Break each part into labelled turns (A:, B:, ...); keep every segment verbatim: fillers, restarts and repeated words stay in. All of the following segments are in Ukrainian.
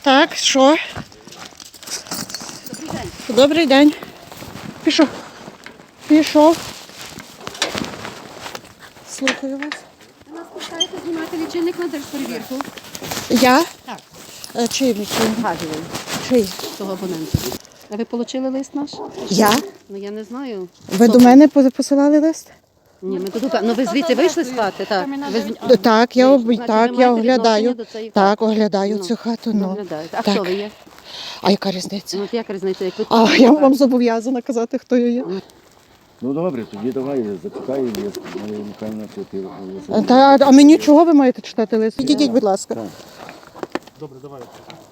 A: Так, що?
B: Добрий день.
A: Добрий день. Пішов. Пішов. Слухаю вас.
B: Ви нас пускаєте знімати лічильник на держперевірку?
A: Я?
B: Так.
A: Е, Чий лічильник?
B: Газовий.
A: Чий?
B: Того абонента. А ви отримали лист наш?
A: Я?
B: Ну я не знаю.
A: Ви
B: Хто
A: до
B: це?
A: мене по- посилали лист?
B: Ні, ми тут. Ну ви звідси вийшли з хати, так? Ви з-
A: Так, я, об-
B: Значить,
A: так,
B: ви
A: я
B: маєте
A: оглядаю.
B: відношення до цієї
A: Так,
B: хати?
A: оглядаю
B: Ну,
A: цю хату. Ну.
B: Доглядаєте. А
A: Так.
B: хто ви є?
A: А яка різниця?
B: Ну от як різниця, як ви тут?
A: А я вам зобов'язана казати, хто я є.
C: Ну добре, тоді давай зачекай, нехай на це.
A: Та, а мені чого ви маєте читати лист? Підійдіть, будь ласка.
D: Добре, давай.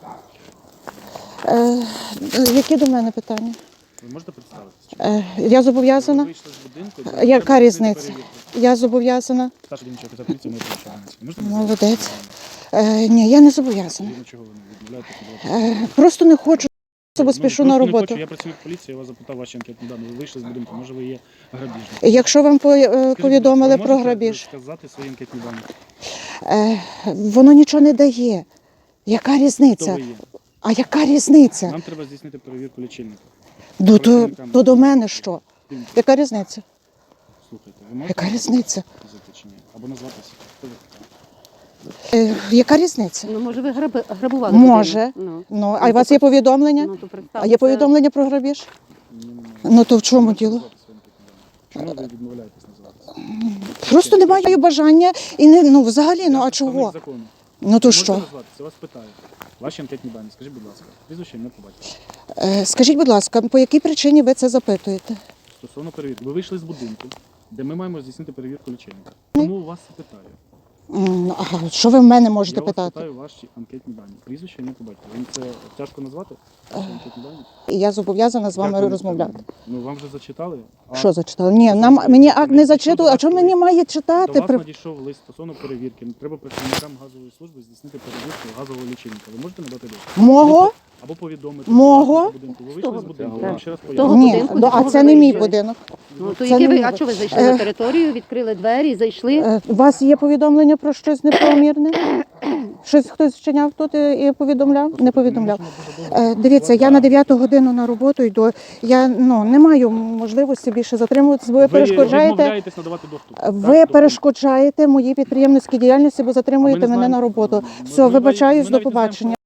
A: Е, які до мене питання?
D: Ви можете представитися?
A: Е, я зобов'язана?
D: Ви вийшли з будинку.
A: Яка
D: треба зробити
A: різниця?
D: перевірку.
A: Я зобов'язана.
D: Старший дільничий офіцер поліції ми прощаємося. Можете
A: Молодець. Е, ні, я не зобов'язана.
D: Згідно чого ви не відмовляєтеся?
A: Е, просто не хочу, бо спішу на роботу.
D: Я працюю в поліції, я вас запитав ваші анкетні дані. Ви вийшли з будинку, може ви є грабіжник.
A: Якщо вам по- е,
D: Скажіть, будь ласка,
A: повідомили
D: ви
A: про
D: можете
A: грабіж,
D: сказати свої анкетні дані?
A: е, воно нічого не дає. Яка
D: Хто
A: різниця?
D: ви є?
A: А яка різниця?
D: Нам треба здійснити перевірку лічильника.
A: Ну, то, то до мене що?
D: Дивіться,
A: Яка різниця?
D: слухайте, ви можете
A: Яка різниця?
D: сказати чи ні? Або назватися. Хто ви така?
A: Е, яка різниця?
B: Ну може ви граби, грабували?
A: Може.
B: людину? Ну.
A: Ну, а у вас є повідомлення?
B: Ну, то
A: А
B: представте.
A: є повідомлення про грабіж?
D: Ні, немає.
A: Ну то в чому
D: Можете
A: діло?
D: назвати свої анкетні дані? Чому ви відмовляєтесь називатися?
A: Просто немає бажання і не ну взагалі, ну а чого?
D: Закону.
A: Ну то
D: Можете
A: що?
D: назватися? Я вас питаю. Ваші анкетні дані, скажіть, будь ласка. Прізвище, ім'я, по батькові.
A: Е, Скажіть, будь ласка, по якій причині ви це запитуєте?
D: Стосовно перевірки. Ви вийшли з будинку, де ми маємо здійснити перевірку лічильника. Тому у вас питаю.
A: М, Ага, що ви в мене можете
D: Я вас
A: питати?
D: питаю ваші анкетні дані. Прізвище, ім'я, по батькові. Вам це тяжко назвати? Ваші анкетні дані?
A: І я зобов'язана з
D: Як ви
A: вами
D: не
A: розмовляти.
D: впевнені? Ну, вам вже зачитали? А
A: Що зачитали? Ні,
D: Що
A: нам
D: ви
A: мені
D: хочете?
A: акт не
D: Надійшов
A: зачитували.
D: до
A: А
D: вас
A: чому мені
D: лист?
A: має
D: До
A: читати?
D: вас
A: При-
D: надійшов лист стосовно перевірки. Треба працівникам газової служби здійснити перевірку газового лічильника. Ви можете надати лист?
A: Мого?
D: Або повідомити.
A: Мого?
D: власнику будинку. Ви вийшли з будинку, я вам ще раз
B: Того
D: поясню.
A: Ні,
B: будинку,
A: ну,
B: до
A: а
B: якого
A: це
B: ви
A: не мій
B: вийшли.
A: будинок.
B: Ну то
A: Це
B: які
A: не
B: ви,
A: мій
B: а
A: будинок.
B: що ви зайшли
A: Е.
B: на територію, відкрили двері і зайшли?
A: Е, У вас є повідомлення про щось неправомірне? Щось хтось вчиняв тут і і повідомляв? Не повідомляв. Е, Дивіться, я на дев'яту годину на роботу йду. Я ну не маю можливості більше затримуватися, бо ви
D: Ви
A: перешкоджаєте.
D: відмовляєтесь надавати доступ. Так,
A: Ви
D: доступ.
A: перешкоджаєте моїй підприємницькій діяльності, бо
D: А ми
A: затримуєте
D: не
A: мене
D: знаємо,
A: на роботу.
D: ми-
A: Все,
D: ми-
A: вибачаюсь,
D: ми
A: до
D: навіть не знаємо,
A: побачення.